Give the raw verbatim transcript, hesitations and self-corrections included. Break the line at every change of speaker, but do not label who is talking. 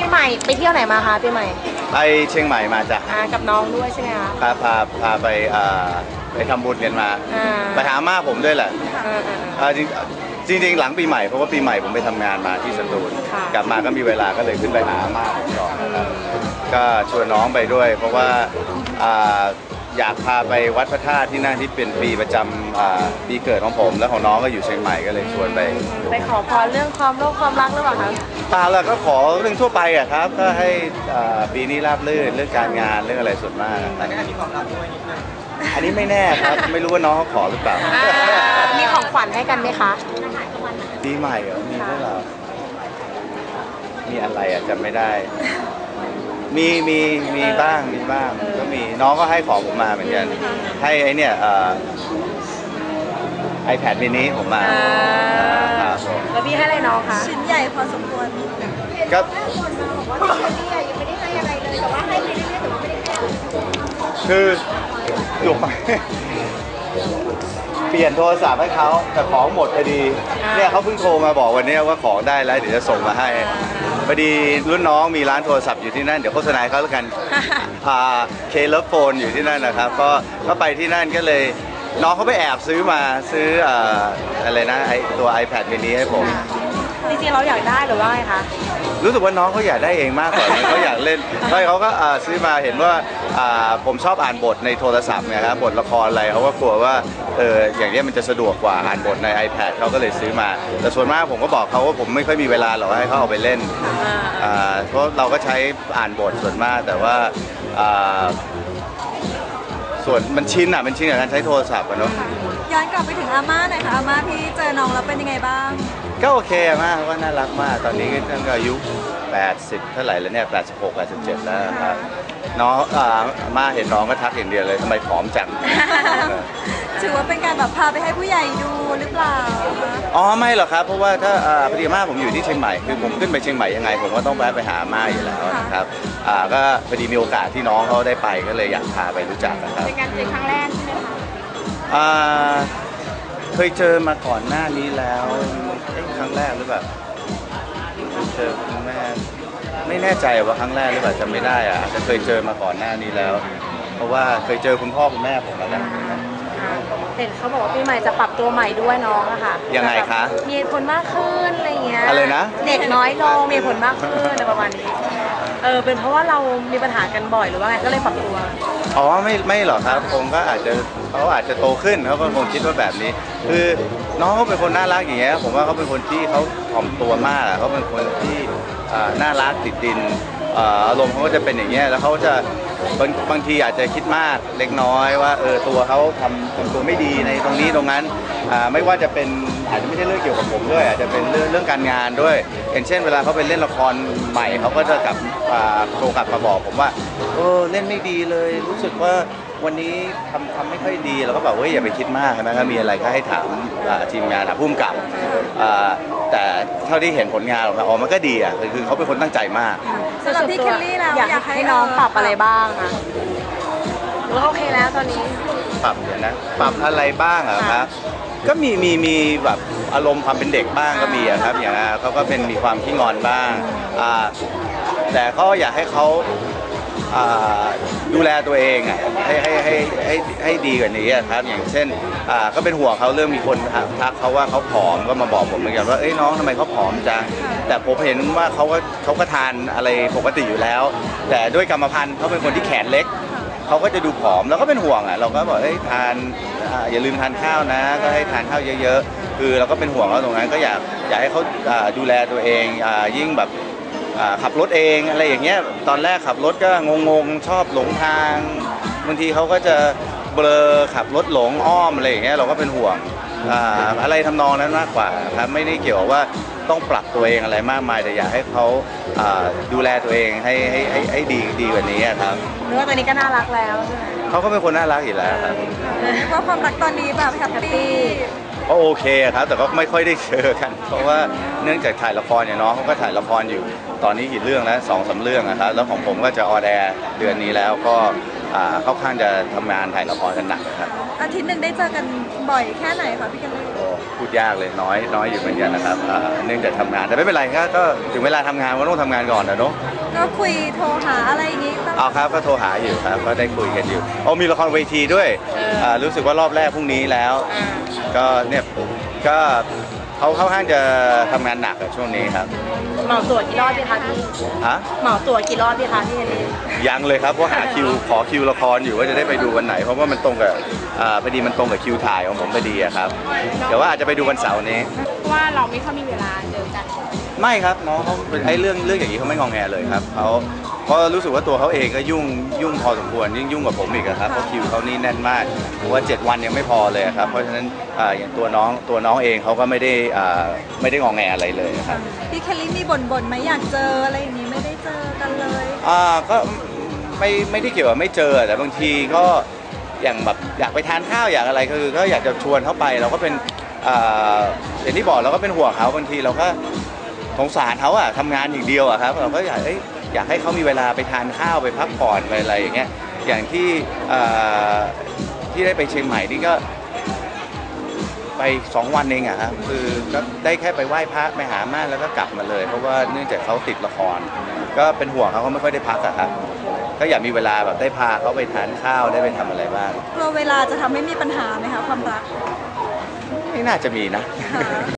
ใหม่ไปเที่ยวไหนมาคะปีใหม่
ไปเชียงใหม่มาจ้ะ
กับน้องด้วยใช่ไหมคะ
พาพาพาไปไปทำบุญกันมาไปหาม่าผมด้วยแหละจริงจริงหลังปีใหม่เพราะว่าปีใหม่ผมไปทำงานมาที่สตูลกลับมาก็มีเวลาก็เลยขึ้นไปหาม่าผมก่อนก็ชวนน้องไปด้วยเพราะว่าอยากพาไปวัดพระธาตุที่นั่นที่เป็นปีประจำปีเกิดของผมและของน้องก็อยู่เชียงใหม่ก็เลยชวนไป
ไปขอพรเรื่องความโลภความรักหรือเปล่าคะ
เปล่าแล้วก็ขอเรื่องทั่วไปอะครับก็ให้ปีนี้ราบรื่นเรื่องการงานเรื่องอะไรส่วนมากอันนี้มีความรักด้วยนิดนึงอันนี้ไม่แน่ครับไม่รู้ว่าน้องเขาขอหรือเปล่า
มีของขวัญให้กันไหมคะ
ปีใหม่เหรอมีด้วยเหรอมีอะไรอะจำไม่ได้มีมีมีบ้างมีบ้างก็มีน้องก็ให้ของผมมาเหมือนกันให้ไอเนี่ยไอแพดมินิผมมา
แล้วพี่ให้อะไรน้องคะ
ชิ้นใหญ่พอสมควร
ก็คือหลวงเปลี่ยนโทรศัพท์ให้เขาแต่ของหมดพอดีเนี่ยเขาเพิ่งโทรมาบอกวันนี้ว่าของได้แล้วเดี๋ยวจะส่งมาให้พอดีรุ่นน้องมีร้านโทรศัพท์อยู่ที่นั่นเดี๋ยวโฆษณาเขาแล้วกันเคเลิฟโฟนอยู่ที่นั่นนะครับก็ก็ไปที่นั่นก็เลยน้องเขาไปแอบซื้อมาซื้ออะไรนะไอตัว iPad mini ให้ผม
จริงๆเราอยากได้หรือว่าไงคะ
รู้สึกว่าน้องเขาอยากได้เองมากกว่าเขาอยากเล่นใช่เขาก็ซื้อมาเห็นว่าผมชอบอ่านบทในโทรศัพท์ไงครับบทละครอะไรเขาก็กลัวว่าเอออย่างนี้มันจะสะดวกกว่าอ่านบทใน iPad เขาก็เลยซื้อมาแต่ส่วนมากผมก็บอกเขาว่าผมไม่ค่อยมีเวลาหรอกให้เขาเอาไปเล่นเพราะเราก็ใช้อ่านบทส่วนมากแต่ว่าส่วนมันชินอ่ะมันชินกับการใช้โทรศัพท์อะเนาะ
ย้อนกลับไปถึงอาม่าหน่อยค่ะอาม่าพี่เจอน้องแล้วเป็นยังไงบ้าง
ก็โอเคมากว่าน่ารักมากตอนนี้ท่านก็อายุแปดสิบเท่าไหร่แล้วเนี่ยแปดสิบหก แปดสิบเจ็ดแล้วครับน้องอาม่าเห็นน้องก็ทักอย่างเดียวเลยทำไมผอมจัง
ถือว่าเป็นการแบบพาไปให้ผู้ใหญ่ดูหรือเปล่า
อ๋อไม่หรอกครับเพราะว่าถ้าพอดีม่าผมอยู่ที่เชียงใหม่คือผมขึ้นไปเชียงใหม่ยังไงผมก็ต้องแวะไปหาม่าอยู่แล้วนะครับก็พอดีมีโอกาสที่น้องเขาได้ไปก็เลยอยากพาไปรู้จักนะครับ
เป็นการเจอครั้งแรกใช่ไหมคะ
เคยเจอมาก่อนหน้านี้แล้วครั้งแรกหรือเปล่าเจอครั้งแรกไม่แน่ใจว่าครั้งแรกหรือเปล่าจำไม่ได้อะจะเคยเจอมาก่อนหน้านี้แล้วเพราะว่าเคยเจอคุณพ่อคุณแม่ผมมาแล้ว
เห็นเขาบอกว่าปีใหม่จะปรับตัวใหม่ด้วยน้องอะค่ะ
ยังไงคะ
มีผลมากขึ้นอะไรเงี้ย
อะไรนะ
เด็กน้อยลงมีผลมากขึ้นอะไรประมาณนี้เออเป็นเพราะว่าเรามีปัญหากันบ่อยหรือว่าไงก็เลยปรับตัว
อ๋อไม่ไม่หรอกครับผมก็อาจจะเขาอาจจะโตขึ้นเขาก็คงคิดว่าแบบนี้คือน้องเขาเป็นคนน่ารักอย่างเงี้ยผมว่าเขาเป็นคนที่เขาถ่อมตัวมากเขาเป็นคนที่น่ารักติดดินอารมณ์เขาก็จะเป็นอย่างเงี้ยแล้วเขาจะบางบางทีอาจจะคิดมากเล็กน้อยว่าเออตัวเขาทำทำตัวไม่ดีในตรงนี้ตรงนั้นไม่ว่าจะเป็นอาจจะไม่ใช่เรื่องเกี่ยวกับผมด้วยอาจจะเป็นเรื่องเรื่องการงานด้วยอย่างเช่นเวลาเขาไปเล่นละครใหม่เขาก็จะกลับโทรกลับมาบอกผมว่าเออเล่นไม่ดีเลยรู้สึกว่าวันนี้ทำทำไม่ค่อยดีเราก็บอกว่าอย่าไปคิดมากนะครับมีอะไรก็ให้ถามทีมงานถามผู้กำกับแต่เท่าที่เห็นผลงานออกมาอ๋อมันก็ดีอ่ะคือเขาเป็นคนตั้งใจมาก
สำหรับพี่เคลลี่แล้ว
อยากให้น้องปรับอะไรบ้างคะหรือโอเคแล้วตอนนี้
ปรับเดี๋ยวนะปรับอะไรบ้างอะครับก็มีมีมีแบบอารมณ์ความเป็นเด็กบ้างก็มีอะครับอย่างนั้นเขาก็เป็นมีความขี้งอนบ้างแต่ก็อยากให้เขาดูแลตัวเองอ่ะให้ให้ให้ให้ให้ดีกว่านี้ครับอย่างเช่นก็เป็นห่วงเขาเรื่องมีคนทักเขาว่าเขาผอมก็มาบอกผมเหมือนกันว่าเอ้ยน้องทำไมเขาผอมจังแต่ผมเห็นว่าเขาก็เขาก็ทานอะไรปกติอยู่แล้วแต่ด้วยกรรมพันธุ์เขาเป็นคนที่แขนเล็กเขาก็จะดูผอมแล้วก็เป็นห่วงอ่ะเราก็บอกเอ้ยทานอย่าลืมทานข้าวนะก็ให้ทานข้าวเยอะๆคือเราก็เป็นห่วงเขาตรงนั้นก็อยากอยากให้เขาดูแลตัวเองยิ่งแบบขับรถเองอะไรอย่างเงี้ยตอนแรกขับรถก็งงๆชอบหลงทางบางทีเขาก็จะเบลอขับรถหลงอ้อมอะไรอย่างเงี้ยเราก็เป็นห่วงอะไรทำนองนั้นมากกว่าครับไม่ได้เกี่ยวว่าต้องปรับตัวเองอะไรมากมายแต่อยากให้เขาดูแลตัวเองให้ให้ให้ให้ดีดีกว่านี้ครับ
เนื้อตัวนี้ก็น่ารักแล้วใช่ไหม
เขาก็เป็นคนน่ารักอยู่แล้วครับ
เพราะความรักตอนนี้แบบแฮปปี้
ก็โอเคครับแต่ก็ไม่ค่อยได้เจอกันเพราะว่าเนื่องจากถ่ายละครเนี่ยน้องเขาก็ถ่ายละครอยู่ตอนนี้กี่เรื่องแล้วสองสามเรื่องนะครับแล้วของผมก็จะออนแอร์เดือนนี้แล้วก็เข้าข้างจะทำงานถ่ายละครกันหนักครับ
อาทิตย์หนึ่งได้เจอกันบ่อยแค่ไหนคะพี่กันเลย
พูดยากเลยน้อยน้อยอยู่เหมือนกันนะครับเนื่องจากทำงานแต่ไม่เป็นไรครับก็ถึงเวลาทำงานก็ต้องทำงานก่อนนะเนาะ
ก็คุยโทรหาอะไรอย่างงี้ต้อง
เอาครับก็โทรหาอยู่ครับก็ได้คุยกันอยู่อ๋อมีละครเวทีด้วยอ่ารู้สึกว่ารอบแรกพรุ่งนี้แล้ว
อ่า
ก็เนี่ยก็เขาเข้าห้างจะทำงานหนักอะช่วงนี้ครับ
เหมาตั๋วกี่รอบดีคะพี่
ฮะ
เหมาตั๋วกี่รอบดีคะพี่เฮนรี่
ยังเลยครับเพราะหาคิวขอคิวละครอยู่ว่าจะได้ไปดูวันไหน เพราะว่ามันตรงกับอ่าพอดีมันตรงกับคิวถ่ายของผมพอดีอะครับเดี๋ยวว่าอาจจะไปดูวันเสาร์นี้
ว่าเราไม่ค่อยมีเวลาเจอกัน
ไม่ครับน้องเขาไอ้เรื่องเรื่องอย่างนี้เขาไม่งองแงเลยครับเขาเพราะรู้สึกว่าตัวเขาเองก็ยุ่งยุ่งพอสมควรยิ่งยุ่งกว่าผมอีกอะครับเพราะคิวเขานี่แน่นมากผมว่าเจ็ดวันยังไม่พอเลยครับเพราะฉะนั้นอ่าอย่างตัวน้องตัวน้องเองเขาก็ไม่ได้อ่าไม่ได้งองแงอะไรเลยครับ
พี่เคลลี่มีบ่นบ่นๆไหมอยากเจออะไรอย่างนี้ไม่ได้เจอกันเลย
อ่าก็ไม่ไม่ได้เกี่ยวกับไม่เจอแต่บางทีก็อย่างแบบอยากไปทานข้าวอยากอะไรคือก็อยากจะชวนเขาไปเราก็เป็นอ่าอย่างที่บอกเราก็เป็นห่วงเขาบางทีเราก็สงสารเขาอะทำงานอย่างเดียวอะครับเราก็อยากเอ้ยอยากให้เขามีเวลาไปทานข้าวไปพักผ่อนไปอะไรอย่างเงี้ยอย่างที่อ่าที่ได้ไปเชียงใหม่นี่ก็ไปสองวันเองอะครับคือก็ได้แค่ไปไหว้พระไปหาม่านแล้วก็กลับมาเลย เพราะว่าเนื่องจากเขาติดละคร ก็เป็นห่วงเขาเขาไม่ค่อยได้พักอะครับก็อยากมีเวลาแบบได้พาเขาไปทานข้าวได้ไปทำอะไรบ้าง
กลัวเวลาจะทำให้มีปัญหาไหมคะความรัก
ไม่น่าจะมีนะ
ค่ะ